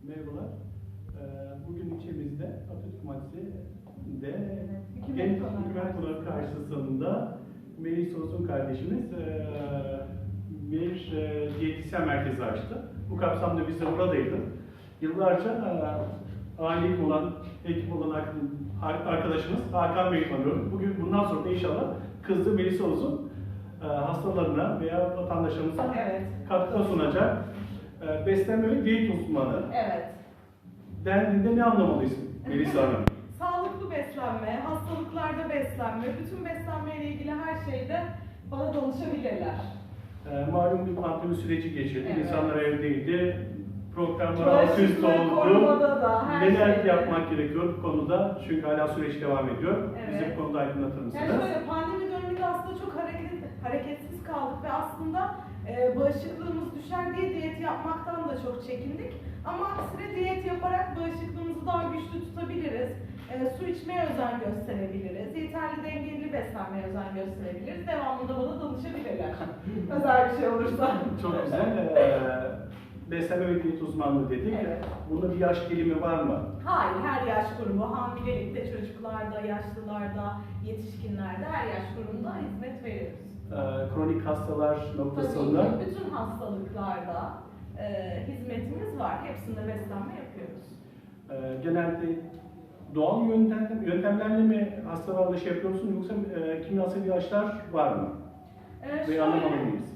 Merhabalar. Bugün ilçemizde Atatürk Mahallesi'nde Hükümet Genç Konağı Hükümet Konağı karşısında Melis Olsun kardeşimiz bir diyetisyen merkezi açtı. Bu kapsamda biz de buradaydık. Yıllarca ailelik olan, ekip olan arkadaşımız Hakan Bey'i tanıyorum. Bugün bundan sonra da inşallah kızı Melis Olsun hastalarına veya vatandaşlarımıza katkı sunacak beslenme ve diyet uzmanı. Evet. Dendiğinde ne anlamalıyız Melisa Hanım? Sağlıklı beslenme, hastalıklarda beslenme, bütün beslenme ile ilgili her şeyde bana danışabilirler. Malum bir pandemi süreci geçirdi. Evet. İnsanlar evdeydi. Programlar alt üst oldu. Korumada da her Neler şeyde. yapmak gerekiyor bu konuda? Çünkü hala süreç devam ediyor. Evet. Bize bu konuda aydınlatır mısınız? Yani şöyle pandemi döneminde aslında çok hareketsiz kaldık ve aslında bağışıklığımız düşer diye diyet yapmaktan da çok çekindik. Ama aksine diyet yaparak bağışıklığımızı daha güçlü tutabiliriz. Su içmeye özen gösterebiliriz. Yeterli dengeli beslenmeye özen gösterebiliriz. Devamında bana danışabilirler. Özel bir şey olursa. Çok güzel. Beslenme ve diyet uzmanlığı dedik. Evet. Bunda bir yaş dilimi var mı? Hayır, her yaş grubu, hamilelikte, çocuklarda, yaşlılarda, yetişkinlerde, her yaş grubunda hizmet veriyoruz. Kronik hastalar noktasında. Tabii ki bütün hastalıklarda hizmetimiz var. Hepsinde beslenme yapıyoruz. Genelde doğal yöntemlerle mi hastalarla şey yapıyorsun yoksa kimyasal ilaçlar var mı? Ve anlamalı mıyız?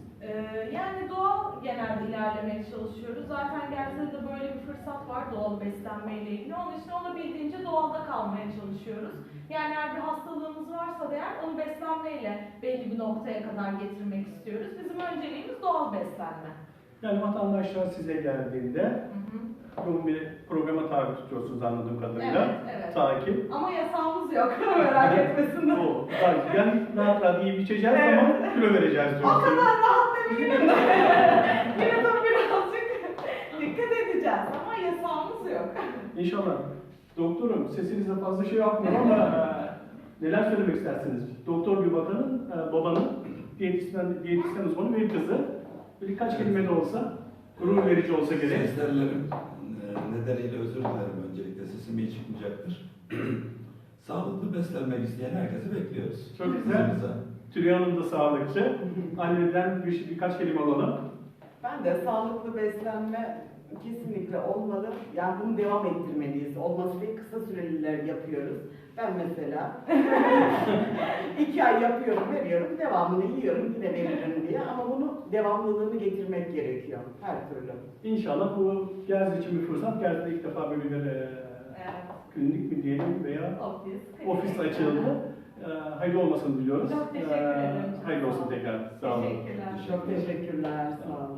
Yani doğal genelde ilerlemeye çalışıyoruz. Zaten Gerze'de böyle bir fırsat var doğal beslenmeyle ilgili. Onun için olabildiğince doğalda kalmaya çalışıyoruz. Yani eğer bir hastalığımız varsa da eğer onu beslenmeyle belli bir noktaya kadar getirmek istiyoruz. Bizim önceliğimiz doğal beslenme. Yani vatandaşlar size geldiğinde yoğun bir programa tabi tutuyorsunuz anladığım kadarıyla. Evet, evet. Takip. Ama yasağımız yok, merak etmesinler. O, yani rahat rahat yiyip içeceğiz Evet. ama kilo vereceğiz O diyorsunuz. kadar rahat demeyelim de. Yine de birazcık dikkat edeceğiz ama yasağımız yok. İnşallah. Doktorum sesinizde fazla şey yapmıyor ama neler söylemek istersiniz? Doktor bir babanın diyetisyen uzmanı bir kızı. Birkaç kelime de olsa, gurur verici olsa gerek. Seslerlerim nedeniyle özür dilerim öncelikle. Sesim iyi çıkmayacaktır. Sağlıklı beslenmek isteyen herkesi bekliyoruz. Çok güzel. Huzurumuza. Tülay Hanım da sağlıkçı. Anneden birkaç kelime alalım. Ben de sağlıklı beslenme kesinlikle olmalı. Yani bunu devam ettirmeliyiz. Olması değil, kısa süreliler yapıyoruz. Ben mesela 2 ay yapıyorum, veriyorum, devamını yiyorum, yine veririm diye. Ama bunu devamlılığını getirmek gerekiyor her türlü. İnşallah bu Gerze için bir fırsat. Gerze'de ilk defa böyle bir klinik mi diyelim veya ofis açıldı. Hayırlı olmasını diliyoruz. Çok teşekkür ederim. Hayırlı olsun tekrar. Sağ olun. Teşekkürler. Çok teşekkürler, sağ olun.